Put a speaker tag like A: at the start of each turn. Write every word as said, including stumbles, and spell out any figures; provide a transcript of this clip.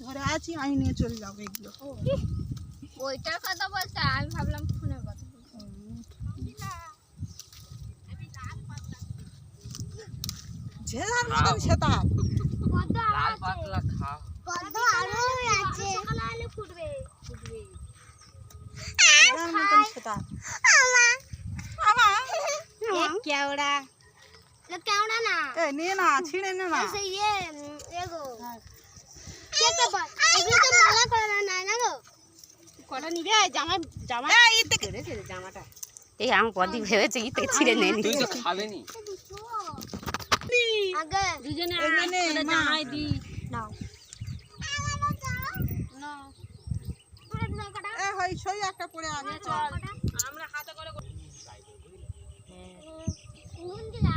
A: ধরে আছি, আমি নিয়ে চলে যাবো এগুলো।
B: ওইটার কথা বলতে আমি ভাবলাম ফোনের কথা।
A: যে যার মতন সেটা
C: লাল পাতলা খাও।
B: কত আরো আছে, সকালে আলে ফুটবে ফুটবে
A: যার মতন সেটা। আমা আমা
B: এক কেওড়া, এটা কেওড়া না,
A: এ নিয়ে না, ছিঁড়ে নে না।
B: সেই ইয়ে এগো কেটে বল, এগুলো তো মালা করা না না গো।
A: কটা নিবে জামা জামা এই থেকে জামাটা।
D: এই আম কদি ভেবেছে কি থেকে ছিঁড়ে নেনি।
C: তুই তো খাবে নি।
B: আগে
A: দুজনে এখানে জামাই দি
B: নাও
A: নাও।
B: পুরো নাও কটা
A: এ হই সই একটা পড়ে আগে চল।
B: আমরা হাতে করে নুন দিলা